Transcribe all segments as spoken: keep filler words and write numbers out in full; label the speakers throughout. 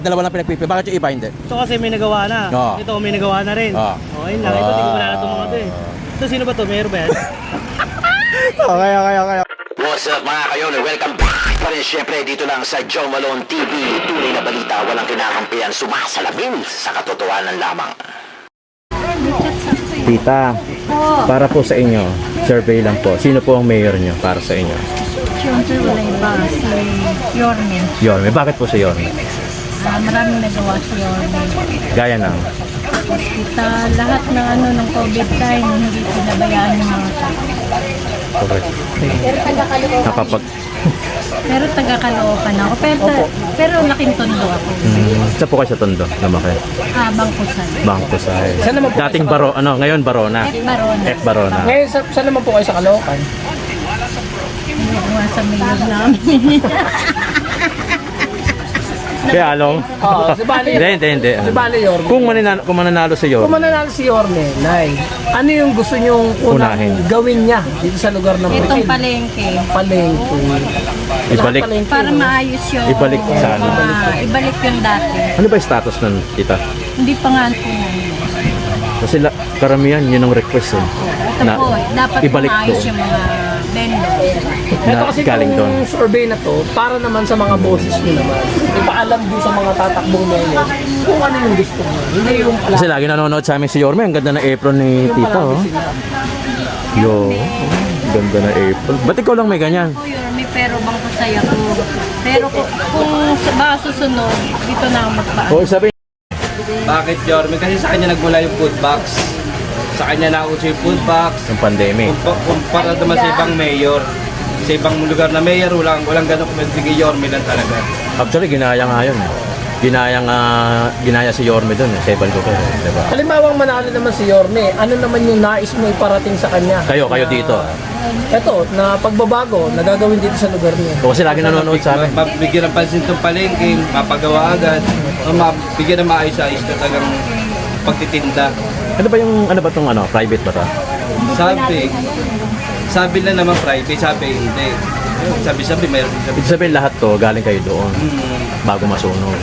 Speaker 1: Dalawa lang pinagpipi. Bakit yung iba hindi?
Speaker 2: Ito kasi may nagawa na.
Speaker 1: Oo.
Speaker 2: Ito may nagawa na rin.
Speaker 1: Oo.
Speaker 2: Okay lang. Ito, hindi ko wala na itong mga ito eh. Ito, sino ba ito? Mayor ba yan?
Speaker 1: Okay, okay, okay.
Speaker 3: What's up mga kayon? Welcome back pa rin syempre dito lang sa Joe Malone T V. Tunay na balita, walang kinakampihan, sumasalamin sa katotohanan lamang.
Speaker 1: Tita, para po sa inyo, survey lang po. Sino po ang mayor nyo para sa inyo?
Speaker 4: Siyempre wala iba, si Yorme.
Speaker 1: Yorme. Bakit po si Yorme?
Speaker 4: Uh, maraming nagawa si Yorme.
Speaker 1: Gaya ng
Speaker 4: Hospital, lahat ng ano ng COVID time, hindi pinabayaan ng mga tao.
Speaker 1: correct. Nakapag...
Speaker 4: Pero taga-Caloocan ako. Pero, pero laking tondo ako.
Speaker 1: Hmm, saan po kayo sa Tondo? Lumaki?
Speaker 4: Ah, Bangkusan.
Speaker 1: Bangko sa...
Speaker 2: Saan naman po kayo
Speaker 1: Dating
Speaker 2: sa-
Speaker 1: Baro, ano, ngayon Barona.
Speaker 4: F. Barona.
Speaker 1: F. Barona.
Speaker 2: Ngayon, sa, saan naman po kayo sa Caloocan?
Speaker 4: Hindi ko nga sa mayor namin.
Speaker 1: Kaya along?
Speaker 2: Oo, si Bali.
Speaker 1: Hindi, hindi, hindi.
Speaker 2: Si Bali Yorme.
Speaker 1: Kung mananalo, kung mananalo si
Speaker 2: Kung
Speaker 1: Yorme,
Speaker 2: mananalo si Yorme, Nay, ano yung gusto nyong unang
Speaker 1: Unahin.
Speaker 2: gawin niya dito sa lugar ng
Speaker 4: Itong
Speaker 2: Bukid?
Speaker 4: palengke.
Speaker 2: Palengke.
Speaker 1: ibalik.
Speaker 2: Palengke,
Speaker 4: Para
Speaker 2: no?
Speaker 4: maayos yung...
Speaker 1: Ibalik sa ano?
Speaker 4: Ah, ibalik yung dati.
Speaker 1: Ano ba yung status nun, tita?
Speaker 4: Hindi pa nga po.
Speaker 1: Kasi la, karamihan, yun ang request eh.
Speaker 4: Ito po, eh, dapat
Speaker 1: ibalik
Speaker 4: maayos
Speaker 1: doon.
Speaker 4: yung mga vendor.
Speaker 2: Ito
Speaker 1: Na
Speaker 2: kasi
Speaker 1: galing doon.
Speaker 2: itong survey na to, para naman sa mga boses nyo naman. Ipaalam din sa mga tatakbong mayor kung ano yung gusto mo. Hindi yung pala.
Speaker 1: Kasi lagi nanonood sa amin si Yorme. Ang ganda ng apron ni tita, oh. Yo, ganda ng apron. Ba't ikaw lang may ganyan?
Speaker 4: Po, Yorme, pero bangko saya ko. Pero kung, kung sa baka susunod, dito na ako magpaan.
Speaker 1: O, sabi,
Speaker 5: Bakit Yorme? Kasi sa kanya nagmula yung food box. Sa kanya nauso yung food box.
Speaker 1: yung pandemic.
Speaker 5: Kumpa- Kumpara naman sa ibang mayor. Sa ibang lugar na mayor, walang, walang ganun kumasige Yorme lang talaga.
Speaker 1: Actually, ginaya nga yun. eh. Ginaya nga, ginaya si Yorme doon. Eh. Seven ko kayo, diba?
Speaker 2: Halimbawang manalo naman si Yorme, ano naman yung nais mo iparating sa kanya?
Speaker 1: Kayo, kayo dito.
Speaker 2: Ito, na pagbabago, na gagawin dito sa lugar niya.
Speaker 1: O, kasi lagi nanonood sa amin.
Speaker 5: Ma- Mabigyan ng pansin itong palengke, mapagawa agad. O mabigyan ng maayos-ayos na talagang pagtitinda.
Speaker 1: Ano ba yung, ano ba itong ano, private ba ito?
Speaker 5: Sabi, sabi lang naman private, sabi hindi. Sabi-sabi, mayroon sabi.
Speaker 1: Ibig sabihin lahat to, galing kayo doon.
Speaker 5: Hmm.
Speaker 1: Bago masunog.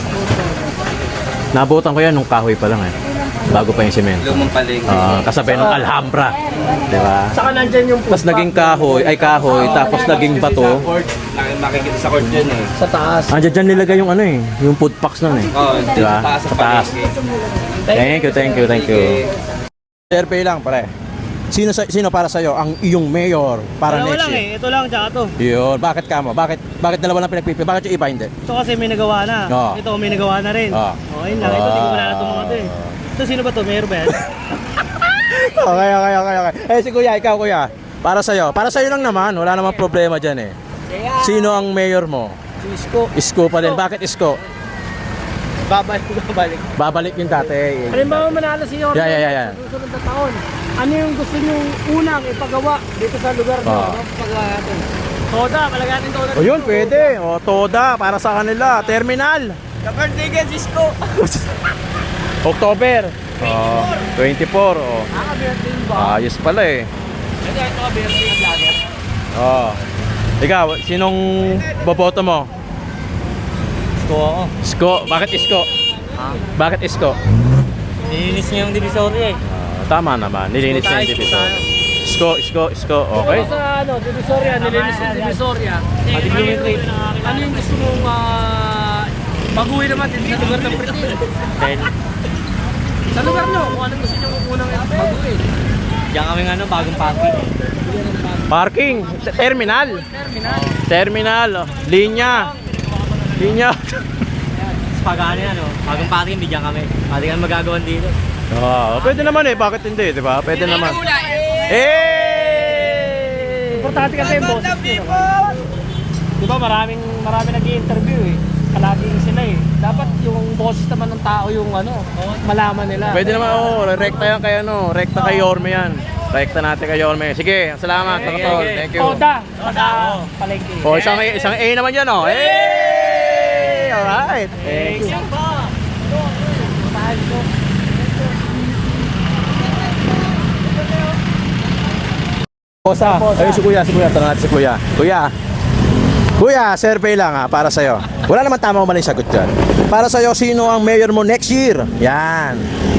Speaker 1: Nabutan ko yan nung kahoy pa lang eh. Bago pa yung semento.
Speaker 5: Lumang palengke.
Speaker 1: Ah, kasabay ng Alhambra. Diba?
Speaker 2: Saka nandyan yung
Speaker 1: Tapos naging kahoy, ay kahoy, tapos naging
Speaker 5: Kasi
Speaker 1: bato.
Speaker 5: Sa court, nak- makikita sa court yun eh.
Speaker 2: sa taas.
Speaker 1: Andiyan dyan nilagay yung ano eh, yung food packs nun eh.
Speaker 5: Oo,
Speaker 1: Diba?
Speaker 5: sa taas
Speaker 1: Sa
Speaker 5: sa
Speaker 1: taas.
Speaker 5: palengke.
Speaker 1: Thank you, thank you, thank you.
Speaker 5: Sige.
Speaker 1: Survey lang pare. Sino sa, sino para sa ang iyong mayor para
Speaker 2: Dalawa
Speaker 1: next
Speaker 2: lang
Speaker 1: year?
Speaker 2: eh. Ito lang, tsaka ito.
Speaker 1: Yun, bakit ka mo? Bakit bakit dalawa lang pinagpipi? Bakit yung iba hindi?
Speaker 2: Ito kasi may nagawa na.
Speaker 1: Oo.
Speaker 2: Ito may nagawa na rin.
Speaker 1: Oo.
Speaker 2: Okay lang. Ito, hindi ko wala na itong mga ito eh. Ito, sino ba ito? Mayor ba yan?
Speaker 1: Okay, okay, okay, okay. Eh si Kuya, ikaw Kuya. Para sa para sa lang naman, wala namang problema diyan eh. Sino ang mayor mo?
Speaker 2: Si Isko.
Speaker 1: Isko pa din. Bakit Isko?
Speaker 2: Babalik, babalik.
Speaker 1: Babalik yung dati.
Speaker 2: Halimbawa manalo si Yorme
Speaker 1: Yeah, yeah, yeah, yeah.
Speaker 2: sa susunod na taon. Ano yung gusto niyong unang ipagawa dito sa lugar niyo?
Speaker 1: Oo.
Speaker 2: Ano pagawa natin? Toda, palagay natin Toda.
Speaker 1: O yun, pwede. O, Toda, para sa kanila. Terminal.
Speaker 2: The birthday kay Isko.
Speaker 1: October. Oh, twenty-four. Oh.
Speaker 2: Nakaka-birthday ba?
Speaker 1: Ayos pala eh.
Speaker 2: Ito, ito ka-birthday ng vlogger.
Speaker 1: Oh. Ikaw, sinong boboto mo?
Speaker 2: Isko ako.
Speaker 1: Isko. Bakit Isko? Bakit Isko?
Speaker 2: Nilinis niya yung divisory eh.
Speaker 1: Ah, tama naman. Nilinis niya yung division. Isko, Isko, Isko. Okay.
Speaker 2: Sa ano, Divisoria, nilinis yung Divisoria. Ano yung, ano yung gusto mong uh, baguhin naman dito sa lugar ng Pritil? Sa lugar nyo, kung anong gusto nyo unang baguhin?
Speaker 6: Diyan kami nga ano, bagong parking.
Speaker 1: Parking. Terminal.
Speaker 2: Terminal.
Speaker 1: Terminal. Oh. Linya. Linya.
Speaker 6: Pag ano yan, oh, bagong parking, bigyan kami. Pwede kami magagawan dito.
Speaker 1: Oh, pwede naman eh. Bakit hindi, di ba? Pwede naman. Eh!
Speaker 2: Importante kasi yung boses nyo. Di ba maraming, maraming nag-i-interview eh. Palaging sila eh. Dapat yung boses naman ng tao yung ano, malaman nila.
Speaker 1: Pwede naman, oh, rekta yan kay ano, rekta kay Yorme yan. Rekta natin kay Yorme. Sige, salamat, mga tol. Thank you.
Speaker 2: Toda, taga palengke.
Speaker 1: Oh, isang isang A naman yan, oh. Hey! Alright. Thank you. Bosa, ayun si Kuya, si Kuya, tanong natin si Kuya. Kuya, Kuya, survey lang ha, para sa'yo. Wala naman tama o maling sagot dyan. Para sa'yo, sino ang mayor mo next year? Yan.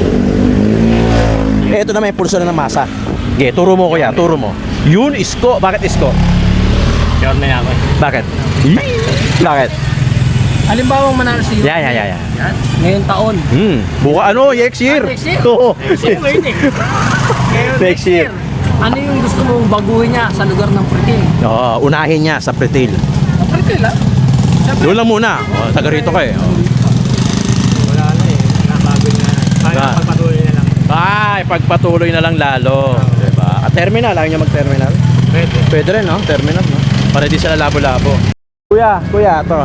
Speaker 1: Ito na may pulso na ng masa. Okay, turo mo kuya, turo mo. Yun, isko. Bakit isko?
Speaker 2: Sure na ako eh.
Speaker 1: Bakit? Bakit?
Speaker 2: Halimbawa manalo si
Speaker 1: Yan, yan, yan, yan.
Speaker 2: ngayong taon.
Speaker 1: Hmm, buka ano, next year.
Speaker 2: Ah, next year?
Speaker 1: Oo.
Speaker 2: Sino ngayon eh? Ngayon,
Speaker 1: Next year.
Speaker 2: Ano yung gusto mong baguhin niya sa lugar ng Pritil?
Speaker 1: Oo, unahin niya sa Pretil.
Speaker 2: Pritil ah?
Speaker 1: Doon lang muna. O, taga rito ka eh. O.
Speaker 6: Wala na eh. Nabago na. Kaya
Speaker 1: Ah.
Speaker 6: pagpatuloy na lang.
Speaker 1: Ay, pagpatuloy na lang lalo. Diba? At terminal, ayaw niya mag-terminal.
Speaker 6: Pwede.
Speaker 1: Pwede rin, no? Terminal, no? Para di sila labo-labo. Kuya, kuya, to.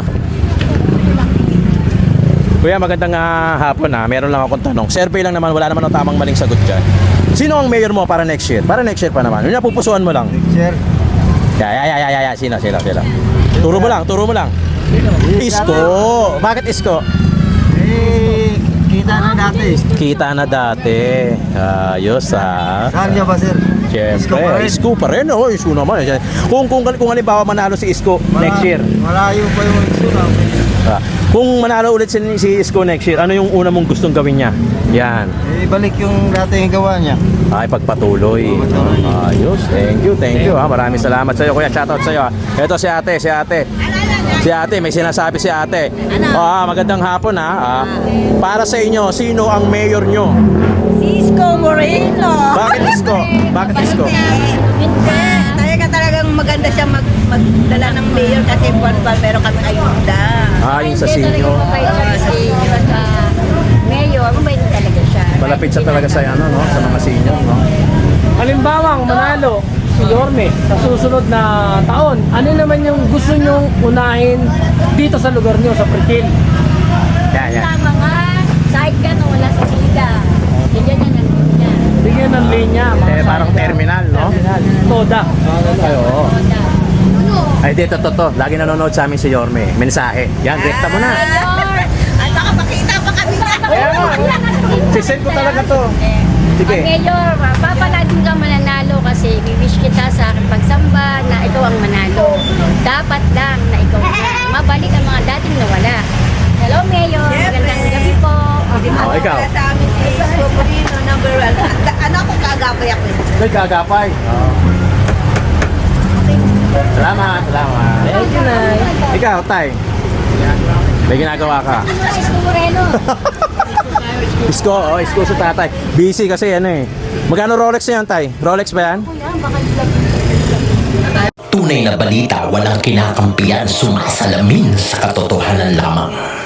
Speaker 1: Kuya, magandang ah, hapon ha. Meron lang akong tanong. Survey lang naman, wala naman ang tamang maling sagot dyan. Sino ang mayor mo para next year? Para next year pa naman. Yun na, pupusuan mo lang.
Speaker 5: Sir,
Speaker 1: Ya, ya, ya, ya, ya, ya. Sino, sino, sino? Turo mo lang, turo mo lang. Isko. Bakit isko?
Speaker 5: eh, kita na dati.
Speaker 1: Kita na dati. Ayos ha.
Speaker 5: Saan niya ba, sir? Isko pa
Speaker 1: Siyempre,
Speaker 5: rin.
Speaker 1: Isko pa rin. Oh, Isko naman. Kung, kung, kung halimbawa manalo si Isko next year.
Speaker 5: Malayo pa yung isko na.
Speaker 1: Ah, kung manalo ulit si, si Isko next year, ano yung una mong gustong gawin niya? Yan.
Speaker 5: Eh, balik yung dati yung gawa niya.
Speaker 1: Ay, pagpatuloy. Ayos. Thank you, thank you. Ha. Maraming salamat sa iyo, kuya. Shoutout sa iyo. Ha. Ito si ate, si ate. Si ate, may sinasabi si ate. Ah, magandang hapon ha. Ah, para sa inyo, sino ang mayor nyo?
Speaker 7: Si Isko Moreno.
Speaker 1: Bakit Isko? Bakit Isko?
Speaker 7: Hindi. Talaga talagang maganda siya mag magdala ng mayor kasi buwan-buwan meron kami ayuda.
Speaker 1: Ah, yung sa
Speaker 4: Hindi talaga
Speaker 1: sinyo.
Speaker 4: mabait siya sa senior at ah, mayor, mabait talaga siya.
Speaker 1: Malapit sa talaga sa ano, no? Sa mga senior, no?
Speaker 2: Halimbawa, manalo si Yorme sa susunod na taon. Ano naman yung gusto nyong unahin dito sa lugar nyo, sa Pritil?
Speaker 1: Yan, yan.
Speaker 4: Tama nga, side ka na wala sa liga. Bigyan niya ng liga.
Speaker 2: Bigyan ng linya. mga
Speaker 1: Eh, parang
Speaker 2: salida.
Speaker 1: terminal, no?
Speaker 2: Toda.
Speaker 1: Ay, oo.
Speaker 4: Toda.
Speaker 1: Ay, dito, to, to. Lagi nanonood sa amin si Yorme. Mensahe. Yan, rekta mo na.
Speaker 4: Mayor!
Speaker 7: At baka makita pa kami na.
Speaker 1: Kaya nga. Sisend ko talaga to. Sige.
Speaker 4: Ang mayor, papaladin ka mananalo kasi wish kita sa aking pagsamba na ikaw ang manalo. Dapat lang na ikaw na. Mabalik ang mga dating nawala. Hello, Mayor. Magandang gabi po.
Speaker 1: Oh, ikaw.
Speaker 7: Sa amin si Isko Moreno, number one. At- Ano ako kagabay ako.
Speaker 1: Nagkagapay. Oo. Salamat, salamat.
Speaker 2: Thank you, Nay.
Speaker 1: Ikaw, Tay. May ginagawa ka.
Speaker 4: Isko Moreno.
Speaker 1: Isko, oh, isko sa tatay. Busy kasi ano eh. Magkano Rolex na yan, Tay? Rolex ba yan?
Speaker 3: Tunay na balita walang kinakampiyan, sumasalamin sa katotohanan lamang.